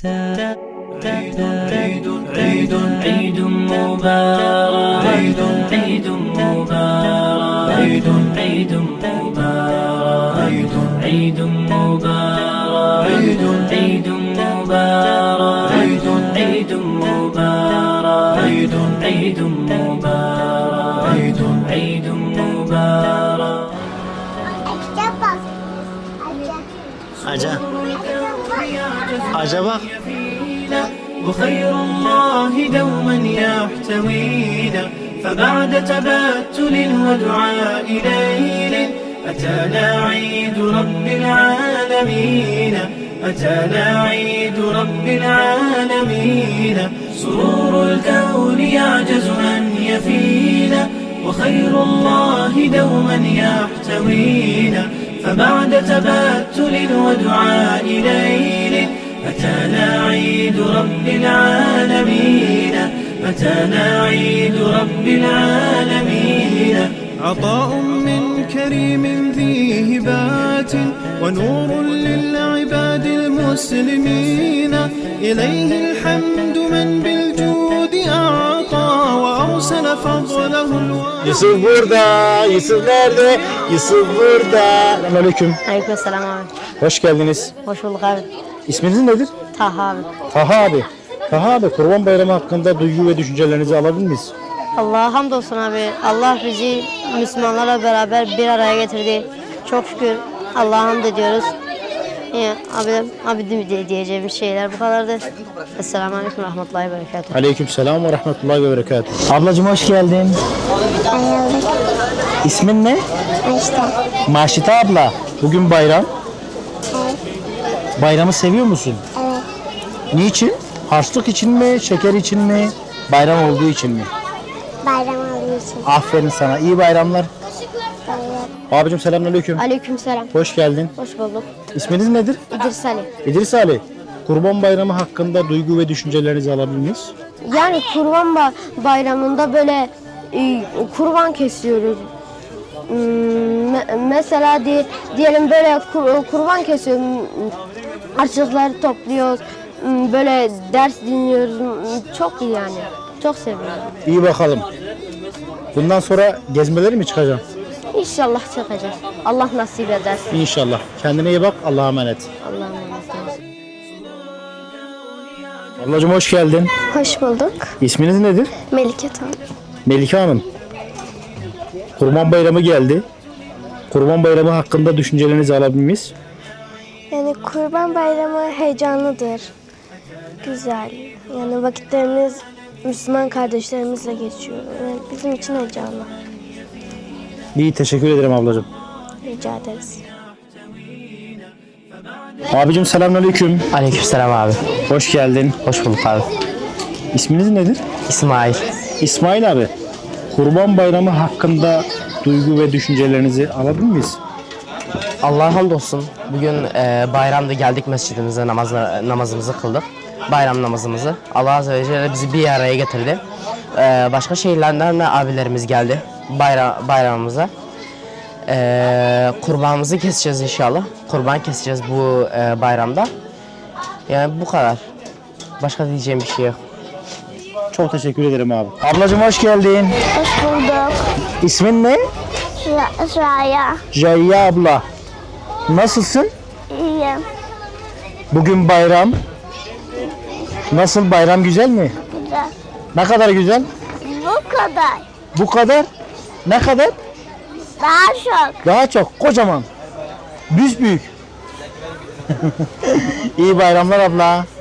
عيد عيد عيد مبارك عيد عيد مبارك عيد عيد مبارك عيد عيد مبارك عيد عيد مبارك عيد عيد مبارك عيد عيد مبارك عيد عيد مبارك. Acaba وخير الله دوما يحتوينا فبعد تبتل ودعاء ليل أتانا عيد رب العالمين أتانا عيد رب العالمين سرور الكون يعجز أن يفينا وخير الله دوما يحتوينا فبعد تبتل ودعاء ليل أتانا عيد رب العالمين أتانا عيد رب العالمين عطاء من كريم ذي هبات ونور للعباد المسلمين إليه الحمد من بالجود أعطى وأرسل فضله Yusuf burada. Yusuf nerede? Yusuf burada. Selamünaleyküm. Aleykümselam abi. Hoş geldiniz. Hoş bulduk abi. İsminiz nedir? Taha abi. Taha abi. Taha abi, Kurban Bayramı hakkında duygu ve düşüncelerinizi alabilir miyiz? Allah'a hamdolsun abi. Allah bizi Müslümanlarla beraber bir araya getirdi. Çok şükür Allah'a hamd ediyoruz. Abi diyeceğim şeyler bu kadardı. Esselamu Aleyküm ve Rahmetullahi ve Berekatuhu. Aleykümselam ve rahmetullahi ve berekatuhu. Ablacığım hoş geldin. İsmin ne? Maşita. Maşita abla. Bugün bayram. Evet. Bayramı seviyor musun? Evet. Niçin? Harçlık için mi? Şeker için mi? Bayram olduğu için mi? Bayram alıyorsun. Aferin sana. İyi bayramlar. Evet. Abicim selamünaleyküm. Aleykümselam. Hoş geldin. Hoş bulduk. İsminiz nedir? İdris Ali. İdris Ali. Kurban Bayramı hakkında duygu ve düşüncelerinizi alabilir miyiz? Yani kurban bayramında böyle kurban kesiyoruz. Mesela diyelim böyle kurban kesiyoruz. Harçlıkları topluyoruz. Böyle ders dinliyoruz. Çok iyi yani. Çok seviyorum. İyi bakalım. Bundan sonra gezmeleri mi çıkacağım? İnşallah çıkacağız. Allah nasip eder. İnşallah. Kendine iyi bak. Allah'a emanet. Allah'a emanet olun. Ablacığım hoş geldin. Hoş bulduk. İsminiz nedir? Melike Tan. Melike Hanım. Kurban Bayramı geldi. Kurban Bayramı hakkında düşüncelerinizi alabilir miyiz? Yani Kurban Bayramı heyecanlıdır. Güzel. Yani vakitlerimiz Müslüman kardeşlerimizle geçiyor. Yani bizim için heyecanlı. İyi, teşekkür ederim ablacığım. Rica ederiz. Abicim selamünaleyküm. Aleykümselam abi. Hoş geldin. Hoş bulduk abi. İsminiz nedir? İsmail. İsmail abi. Kurban Bayramı hakkında duygu ve düşüncelerinizi alabilir miyiz? Allah'a hamdolsun. Bugün bayramda geldik mescidimize namazımızı kıldık. Bayram namazımızı. Allah Azze ve Celle bizi bir araya getirdi. Başka şehirlerden de abilerimiz geldi bayramımıza. Kurbanımızı keseceğiz inşallah. Kurban keseceğiz bu bayramda. Yani bu kadar. Başka diyeceğim bir şey yok. Çok teşekkür ederim abi. Ablacığım hoş geldin. Hoş bulduk. İsmin ne? Raya. Jayya abla. Nasılsın? İyiyim. Bugün bayram. Nasıl, bayram güzel mi? Güzel. Ne kadar güzel? Bu kadar. Bu kadar. Ne kadar? Daha çok. Daha çok. Kocaman. Büyük. İyi bayramlar abla.